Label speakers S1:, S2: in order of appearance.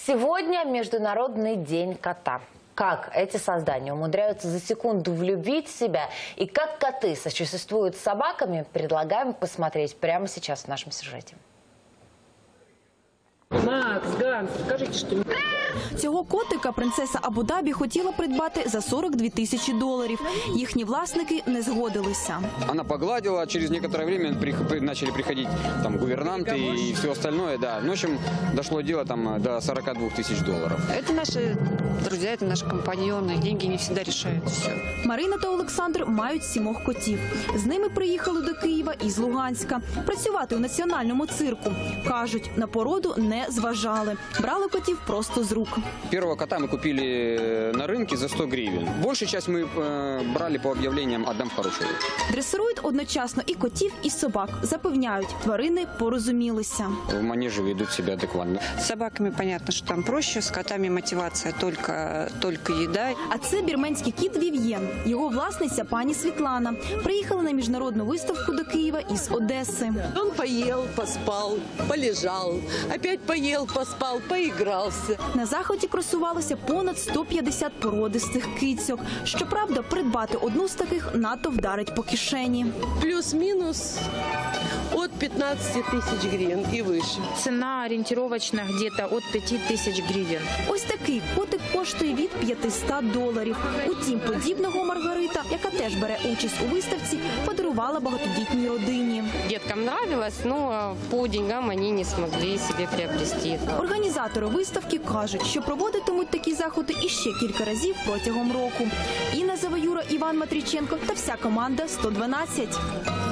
S1: Сегодня Международный день кота. Как эти создания умудряются за секунду влюбить в себя и как коты сосуществуют с собаками, предлагаем посмотреть прямо сейчас в нашем сюжете.
S2: Макс, Ганс, скажите, что...
S3: Цього котика принцеса Абу-Дабі хотіла придбати за $42 тисячі. Їхні власники не згодилися.
S4: Она погладила, через некоторое время начали приходить там гувернанты и все остальное, да. В общем, дошло дело там до $42 тысяч.
S5: Это наши друзья, это наши компаньоны. Деньги не всегда решают все.
S3: Марина та Олександр мають 7 котів. З ними приїхали до Києва із Луганська. Працювати у національному цирку. Кажуть, на породу не зважали. Брали котів просто з рук.
S4: Первого кота мы купили на рынке за 100 гривен. Большую часть мы брали по объявлениям «Отдам в хорошие руки».
S3: Дресирують одночасно і котів, і собак. Запевняють, тварини порозумілися.
S4: В манеже ведут себя адекватно.
S5: С собаками понятно, что там проще, с котами мотивация только еда.
S3: А це бірменський кіт Вів'єн. Його власниця пані Світлана. Приїхала на міжнародну виставку до Києва із Одеси.
S6: Он поел, поспал, полежал, опять поел, поспал, поигрался.
S3: На заході красувалося понад 150 породистих кицьок. Щоправда, придбати одну з таких надто вдарить по кишені.
S6: Плюс-минус от 15 тысяч гривен и выше.
S2: Цена ориентировочно где-то от 5000 гривен.
S3: Ось такий котик коштує від $500. Утім, подібного Маргарита, яка теж бере участь у виставці, подарувала багатодітній родині.
S7: Деткам нравилось, но по деньгам они не смогли себе приобрести.
S3: Організатори виставки кажуть, що проводитимуть такі заходи іще кілька разів протягом року. Інна Заваюра, Іван Матріченко та вся команда «112».